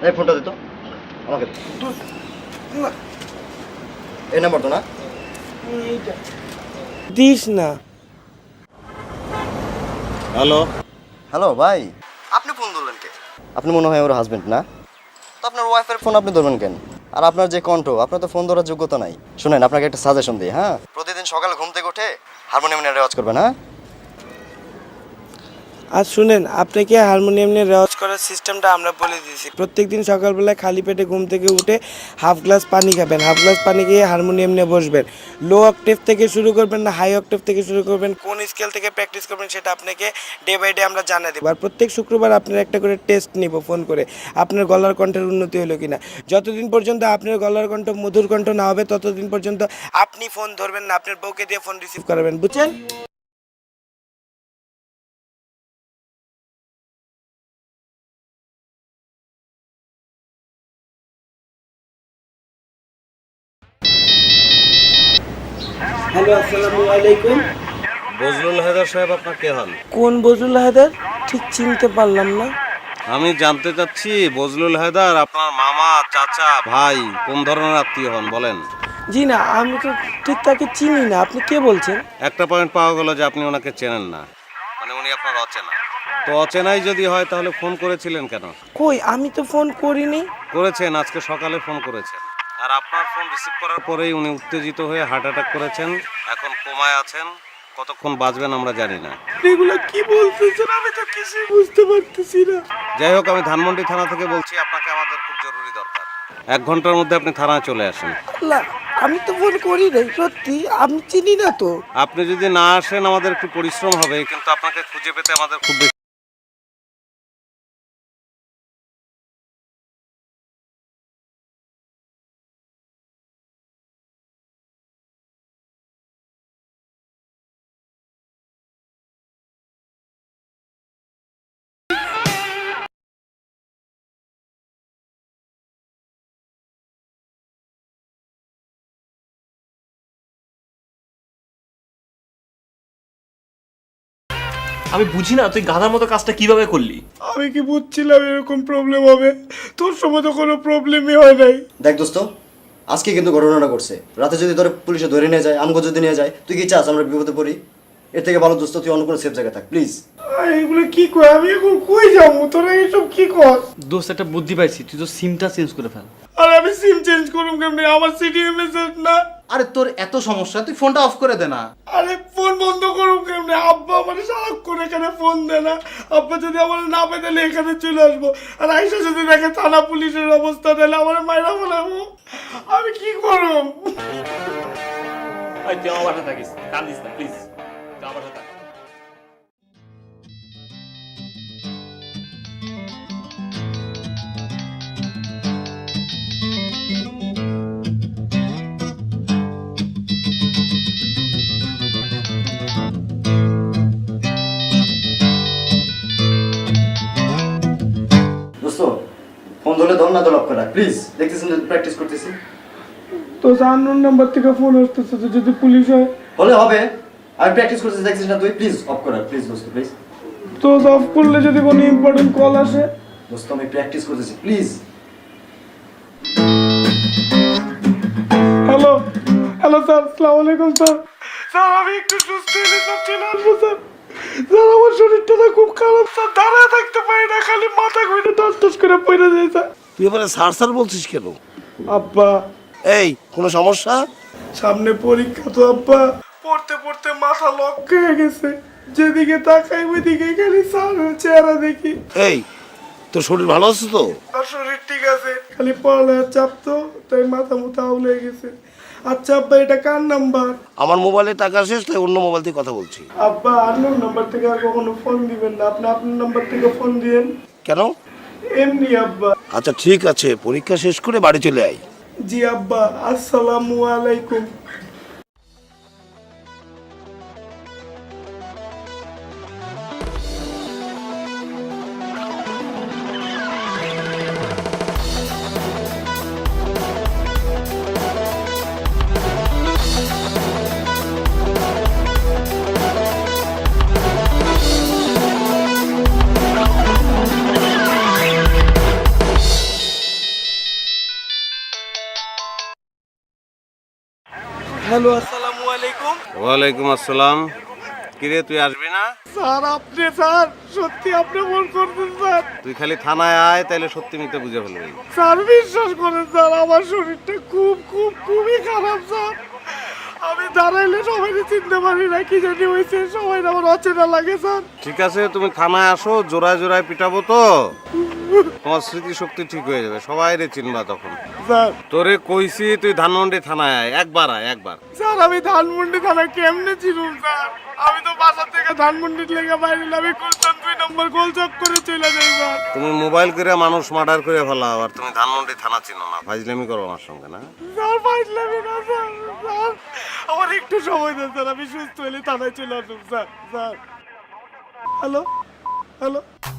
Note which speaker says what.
Speaker 1: এই ফোনটা দে তো আমাকে। এই নাম্বার তো না?
Speaker 2: দিস না।
Speaker 3: হ্যালো
Speaker 1: হ্যালো ভাই, আপনি ফোন ধরলেন কে? আপনি মনে হয় ওর হাজবেন্ড না? তো আপনার ওয়াইফের ফোন আপনি ধরবেন কেন? আর আপনার যে কণ্ঠ, আপনার তো ফোন ধরার যোগ্যতা নাই। শুনেন, আপনাকে একটা সাজেশন দিই, হ্যাঁ? প্রতিদিন সকালে ঘুম থেকে উঠে হারমোনিয়াম নিয়ে রেওয়াজ করবেন, হ্যাঁ?
Speaker 2: আর শুনেন, আপনাকে হারমোনিয়াম নিয়ে রেওয়াজ করার সিস্টেমটা আমরা বলে দিয়েছি। প্রত্যেকদিন সকালবেলায় খালি পেটে ঘুম থেকে উঠে হাফ গ্লাস পানি খাবেন, হাফ গ্লাস পানি খেয়ে হারমোনিয়াম নিয়ে বসবেন। লো অক্টেভ থেকে শুরু করবেন না হাই অক্টেভ থেকে শুরু করবেন, কোন স্কেল থেকে প্র্যাকটিস করবেন সেটা আপনাকে ডে বাই ডে আমরা জানিয়ে দেবো। আর প্রত্যেক শুক্রবার আপনার একটা করে টেস্ট নিব ফোন করে, আপনার গলার কণ্ঠের উন্নতি হলো কিনা। যতদিন পর্যন্ত আপনার গলার কণ্ঠ মধুর কণ্ঠ না হবে ততদিন পর্যন্ত আপনি ফোন ধরবেন না, আপনার বউকে দিয়ে ফোন রিসিভ করাবেন, বুঝছেন? হ্যালো, আসসালামু আলাইকুম।
Speaker 3: বজলুল হায়দার সাহেব আপনার কে হন?
Speaker 2: কোন বজলুল হায়দার? ঠিক চিনতে পারলাম না।
Speaker 3: আমি জানতে চাচ্ছি বজলুল হায়দার আপনার মামা, চাচা, ভাই কোন ধরনের আত্মীয় হন বলেন।
Speaker 2: জি না, আমি তো ঠিক তাকে চিনি না। আপনি কে বলছেন?
Speaker 3: একটা পয়েন্ট পাওয়া গেল যে আপনি ওনাকে চেনেন না, মানে উনি আপনার অচেনা। তো অচেনাই যদি হয় তাহলে ফোন করেছিলেন কেন?
Speaker 2: কই, আমি তো ফোন করিনি।
Speaker 3: করেছেন, আজকে সকালে ফোন করেছেন। আর আপনার ফোন রিসিভ করার পরেই উনি উত্তেজিত হয়ে হার্ট অ্যাটাক করেছেন। এখন কোমায় আছেন, কতক্ষণ বাঁচবেন আমরা জানি না।
Speaker 2: এগুলো কি বলতেছেন? আমি তো কিছুই বুঝতে পারতেছি না।
Speaker 3: যাই হোক, আমি ধানমন্ডি থানা থেকে বলছি, আপনাকে আমাদের খুব জরুরি দরকার। 1 ঘন্টার মধ্যে আপনি থানায় চলে আসেন।
Speaker 2: আল্লাহ, আমি তো ফোন করি নাই, সত্যি আমি চিনি না তো।
Speaker 3: আপনি যদি না আসেন আমাদের একটু পরিশ্রম হবে, কিন্তু আপনাকে খুঁজে পেতে আমাদের খুব বেশি।
Speaker 4: আমি বুঝি না তুই গাধার মতো কাজটা কিভাবে করলি।
Speaker 2: আমি কি বুঝছিলাম এরকম প্রবলেম হবে? তোর সময় তো কোনো প্রবলেমই হয় নাই।
Speaker 1: দেখ দোস্ত, আজকে কিন্তু ঘটনাটা করছে। রাতে যদি তোর পুলিশে ধরে নিয়ে যায়, আমগো যদি নিয়ে যায়, তুই কি চাস আমরা বিপদে পড়ি? এর থেকে ভালো দোস্ত তুই অন্য কোনো সেফ জায়গায় থাক, প্লিজ।
Speaker 2: এগুলো কি কয়? আমি এখন কই যাবো? তোরা এইসব কি কর?
Speaker 4: দোস্ত একটা বুদ্ধি পাইছি, তুই তো সিমটা চেঞ্জ করে ফেল।
Speaker 2: আর আমি সিম চেঞ্জ করুম কেমনে? আমার সিডিএমএ সেট না।
Speaker 5: আরে তোর এত সমস্যা, তুই ফোনটা অফ করে দে না।
Speaker 2: আরে ফোন বন্ধ করুম কেমনে? আব্বা আমার সারাক্ষণ এখানে ফোন দেয় না। আব্বা যদি আমার না পেয়ে তাহলে এখানে চলে আসবো, আর আইসা যদি দেখে থানা পুলিশের অবস্থা, তাহলে আমার মাইরা ফেলাবো। আমি কি করুম?
Speaker 4: তুই আমার বাসায় থাকিস, কান্দিস না প্লিজ, তুই আমার বাসায় থাক।
Speaker 1: দোস্ত, ফোন ধরলে ধর, না ধর অফ করা, প্লিজ। দেখতেছেন যে প্র্যাকটিস করতেছি।
Speaker 2: তো আননোন নাম্বার থেকে ফোন আসতেছে, তো যদি পুলিশ হয়?
Speaker 1: হলে হবে, আমি প্র্যাকটিস করতেছি, দেখছিস না তুই? প্লিজ অফ করা, প্লিজ দোস্ত, প্লিজ।
Speaker 2: তো অফ করলে যদি কোনো ইম্পর্টেন্ট কল আসে?
Speaker 1: দোস্ত আমি প্র্যাকটিস করতেছি, প্লিজ।
Speaker 2: হ্যালো হ্যালো স্যার, আসসালামু আলাইকুম স্যার। স্যার আমি একটু সুস্থ হলে স্যার চলে আসবো স্যার। স্যার আমার শরীরটা না খুব খারাপ স্যার, দাঁড়ায় থাকতে পারি না, খালি মাথা ঘুরে টাস টাস করে পড়ে যায় স্যার।
Speaker 6: তুই এবারে সার বলছিস কেন?
Speaker 2: আব্বা,
Speaker 6: এই কোনো সমস্যা?
Speaker 2: সামনে পরীক্ষা তো আব্বা, পড়তে পড়তে মাথা লক হয়ে গেছে। যেদিকে তাকাই ওইদিকে খালি স্যারের চেহারা দেখি।
Speaker 6: এই তোর শরীর ভালো আছে তো?
Speaker 2: আর শরীর ঠিক আছে, খালি পড়ালেখার চাপ তো, তাই মাথা মুথা আউলে গেছে। আচ্ছা আব্বা, এটা কার নাম্বার?
Speaker 6: আমার মোবাইলে টাকা শেষ, তাই অন্য মোবাইল থেকে কথা বলছি।
Speaker 2: আব্বা, আননোন নাম্বার থেকে আর কখনো ফোন দিবেন না, আপনি আপনার নাম্বার থেকে ফোন দিয়েন।
Speaker 6: কেন?
Speaker 2: এমনি আব্বা।
Speaker 6: আচ্ছা ঠিক আছে, পরীক্ষা শেষ করে বাড়ি চলে আয়।
Speaker 2: জি আব্বা, আসসালামু আলাইকুম। হ্যালো, আসসালামু আলাইকুম।
Speaker 3: ওয়ালাইকুম আসসালাম। কিরে তুই আসবি না?
Speaker 2: স্যার আপনি, স্যার সত্যি আপনি ফোন করছেন স্যার?
Speaker 3: তুই খালি থানায় আয়, তাইলে সত্যি মিথ্যে বুঝে ফেলবি।
Speaker 2: স্যার বিশ্বাস করেন স্যার, আমার শরীরটা খুবই খারাপ স্যার। আমি দাঁড়াইলে সবাই চিনতে পারি না, কি জানি হয়েছে, সবাই আমার অচেনা লাগে স্যার।
Speaker 3: ঠিক আছে, তুমি থানায় আসো, জোড়ায় জোড়ায় পিটাবো তো তোমার স্মৃতিশক্তি ঠিক হয়ে যাবে, সবাই রে চিনবা তখন।
Speaker 2: স্যার
Speaker 3: তোরে কইছি তুই ধানমন্ডি থানায় আয়, একবার আয়, একবার।
Speaker 2: স্যার আমি ধানমন্ডি থানা কেমনে ছিলাম স্যার? আমি তো বাসা থেকে ধানমন্ডির লেগে বাইরে, আমি গুলশান 2 নম্বর গোলচক করে চলে যাই স্যার।
Speaker 3: তুমি মোবাইল করে মানুষ মার্ডার করে ফেলাও, আর তুমি ধানমন্ডি থানা চিনো না, ফাইজলামি করো আমার সঙ্গে না?
Speaker 2: স্যার পাইলাম না স্যার, স্যার আমার একটু সময় দেন স্যার, আমি সুস্থ হলে থানায় চলে আসুন স্যার। Sir hello, hello.